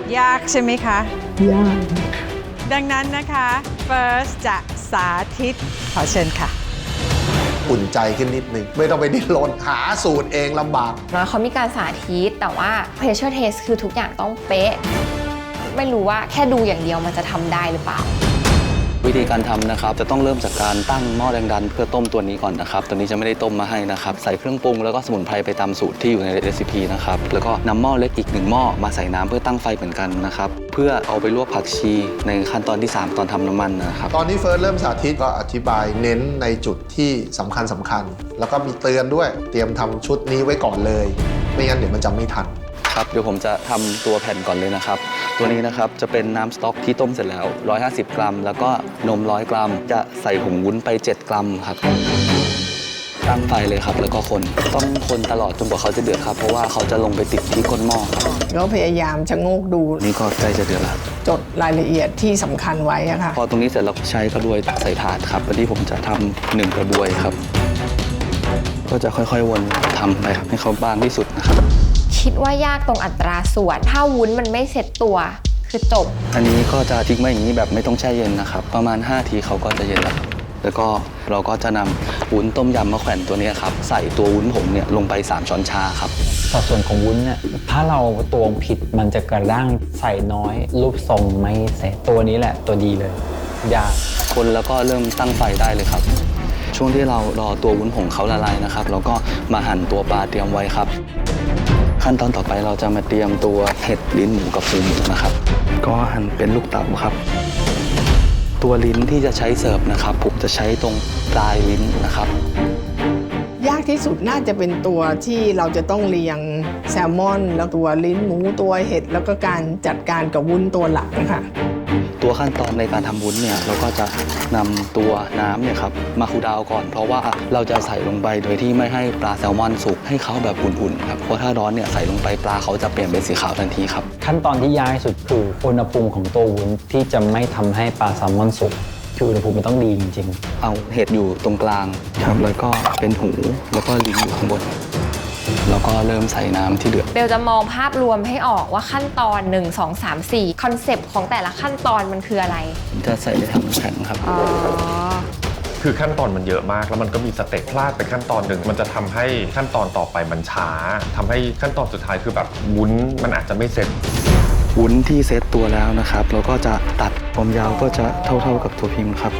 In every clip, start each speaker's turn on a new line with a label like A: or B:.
A: ยากใช่ไหมคะ
B: ยาก
A: ดังนั้นนะคะ First จะสาธิตขอเชิญค่ะ
C: อุ่นใจขึ้นนิดนึงไม่ต้องไปดิ้นรนหาสูตรเองลำบาก
D: แล้วเขามีการสาธิตแต่ว่า pressure test คือทุกอย่างต้องเป๊ะไม่รู้ว่าแค่ดูอย่างเดียวมันจะทำได้หรือเปล่า
E: วิธีการทำนะครับจะต้องเริ่มจากการตั้งหม้อแรงดันเพื่อต้มตัวนี้ก่อนนะครับตัวนี้จะไม่ได้ต้มมาให้นะครับใส่เครื่องปรุงแล้วก็สมุนไพรไปตามสูตรที่อยู่ในเรซิปีนะครับแล้วก็นำหม้อเล็กอีก1หม้อมาใส่น้ำเพื่อตั้งไฟเหมือนกันนะครับเพื่อเอาไปลวกผักชีในขั้นตอนที่3ตอนทำน้ำมันนะครับ
C: ตอนนี้เฟิร์สเริ่มสาธิตก็อธิบายเน้นในจุดที่สำคัญแล้วก็มีเตือนด้วยเตรียมทำชุดนี้ไว้ก่อนเลยไม่งั้นเดี๋ยวมันจะไม่ทัน
E: ครับเดี๋ยวผมจะทำตัวแผ่นก่อนเลยนะครับตัวนี้นะครับจะเป็นน้ำสต๊อกที่ต้มเสร็จแล้ว150 กรัมแล้วก็นม100 กรัมจะใส่ผงวุ้นไป7 กรัมครับตั้งไฟเลยครับแล้วก็คนต้องคนตลอดจนกว่าเขาจะเดือดครับเพราะว่าเขาจะลงไปติดที่ก้นหม้อครับ
B: ก็พยายามชะโงกดู
E: นี่ก็ใกล้จะเดือดแล้ว
B: จดรายละเอียดที่สำคัญไว้ค่ะ
E: พอตรงนี้เสร็จเราใช้กระบวยตักใส่ถาดครับวันนี้ผมจะทำ1 กระบวยครับก็จะค่อยๆวนทำไปครับให้เขาบางที่สุดนะครับ
D: คิดว่ายากตรงอัตราส่วนถ้าวุ้นมันไม่เสร็จตัวคือจบ
E: อันนี้ก็จะทิ้งไว้อย่างนี้แบบไม่ต้องแช่เย็นนะครับประมาณ5 ทีเขาก็จะเย็นแล้วแล้วก็เราก็จะนำวุ้นต้มยำมะแขวนตัวนี้ครับใส่ตัววุ้นผงเนี่ยลงไป3 ช้อนชาครับ
F: สัดส่วนของวุ้นเนี่ยถ้าเราตวงผิดมันจะกระด้างใส่น้อยรูปทรงไม่เสร็จตัวนี้แหละตัวดีเลยยาก
E: คนแล้วก็เริ่มตั้งไฟได้เลยครับช่วงที่เรารอตัววุ้นผงเขาละลายนะครับเราก็มาหั่นตัวปลาเตรียมไว้ครับขั้นตอนต่อไปเราจะมาเตรียมตัวเห็ดลิ้นหมูกับฟูหมูนะครับก็หั่นเป็นลูกเต๋าครับตัวลิ้นที่จะใช้เสิร์ฟนะครับผมจะใช้ตรงปลายลิ้นนะครับ
B: ยากที่สุดน่าจะเป็นตัวที่เราจะต้องเรียงแซลมอนแล้วตัวลิ้นหมูตัวเห็ดแล้วก็การจัดการกับวุ้นตัวหลักนะคะ
E: ตัวขั้นตอนในการทำวุ้นเนี่ยเราก็จะนำตัวน้ำเนี่ยครับมาคูลดาวน์ก่อนเพราะว่าเราจะใส่ลงไปโดยที่ไม่ให้ปลาแซลมอนสุกให้เขาแบบอุ่นๆครับเพราะถ้าร้อนเนี่ยใส่ลงไปปลาเขาจะเปลี่ยนเป็นสีขาวทันทีครับ
F: ขั้นตอนที่ยากที่สุดคืออุณหภูมิของตัววุ้นที่จะไม่ทำให้ปลาแซลมอนสุกคืออุณหภูมิมันต้องดีจริง
E: ๆเอาเห็ดอยู่ตรงกลางครับแล้วก็เป็นหูแล้วก็ลิ้นอยู่ข้างบนแล้วก็เริ่มใส่น้ำที่เดือด
D: เบลจะมองภาพรวมให้ออกว่าขั้นตอน1 2 3 4คอนเซปต์ของแต่ละขั้นตอนมันคืออะไร
E: จะใส่ในถังแข็งครับ
G: คือขั้นตอนมันเยอะมากแล้วมันก็มีสเต็ปพลาดไปขั้นตอนหนึ่งมันจะทำให้ขั้นตอนต่อไปมันช้าทำให้ขั้นตอนสุดท้ายคือแบบวุ้นมันอาจจะไม่เสร็จ
E: วุ้นที่เซตตัวแล้วนะครับเราก็จะตัดความยาวก็จะเท่ากับตัวพิมพ์ครับ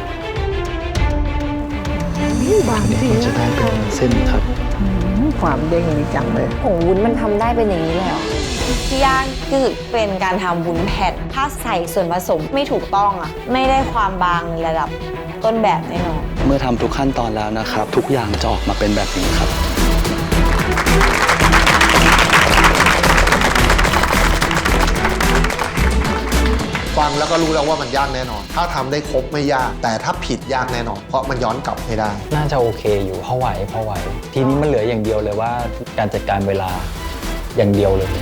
B: บางที
E: จะได้เป็นเส้นครับ
B: ความเด้งดีจังเลย
D: ผงวุ้นมันทำได้เป็นอย่างนี้เลยเหรอที่ยากคือเป็นการทำวุ้นแผ่นถ้าใส่ส่วนผสมไม่ถูกต้องอ่ะไม่ได้ความบางในระดับต้นแบบแน่นอน
E: เมื่อทำทุกขั้นตอนแล้วนะครับทุกอย่างจะออกมาเป็นแบบนี้ครับ
C: ฟังแล้วก็รู้แล้วว่ามันยากแน่นอนถ้าทำได้ครบไม่ยากแต่ถ้าผิดยากแน่นอนเพราะมันย้อนกลับไม่ได้
F: น่าจะโอเคอยู่พอไหวทีนี้มันเหลืออย่างเดียวเลยว่าการจัดการเวลาอย่างเดียวเลย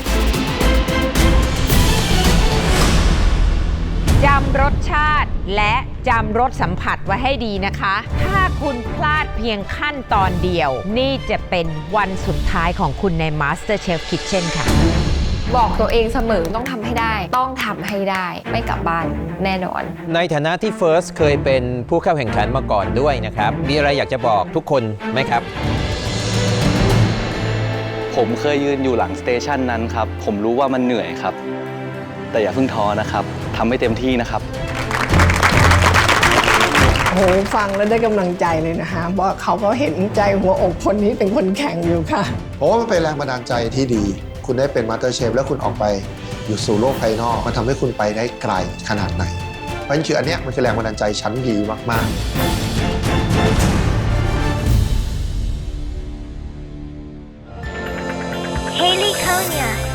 A: จำรสชาติและจำรสสัมผัสไว้ให้ดีนะคะถ้าคุณพลาดเพียงขั้นตอนเดียวนี่จะเป็นวันสุดท้ายของคุณใน MasterChef Kitchen ค่ะ
D: บอกตัวเองเสมอต้องทำให้ได้ต้องทำให้ได้ไม่กลับบ้านแน่นอน
H: ในฐานะที่ First เคยเป็นผู้เข้าแข่งขันมาก่อนด้วยนะครับมีอะไรอยากจะบอกทุกคนไหมครับ
E: ผมเคยยืนอยู่หลังสเตชันนั้นครับผมรู้ว่ามันเหนื่อยครับแต่อย่าเพิ่งท้อนะครับทำให้เต็มที่นะครับ
B: โหฟังแล้วได้กำลังใจเลยนะคะเพราะเขาก็เห็นใจหัวอกคนนี้เป็นคนแข่งอยู่ค่ะ
C: เพราะว่ามันเป็นแรงบันดาลใจที่ดีคุณได้เป็นมาสเตอร์เชฟแล้วคุณออกไปอยู่สู่โลกภายนอกมันทำให้คุณไปได้ไกลขนาดไหนเพราะฉะนั้นคืออันเนี้ยมันคือแรงบันดาลใจชั้นดีมาก
I: ๆ Haley Konya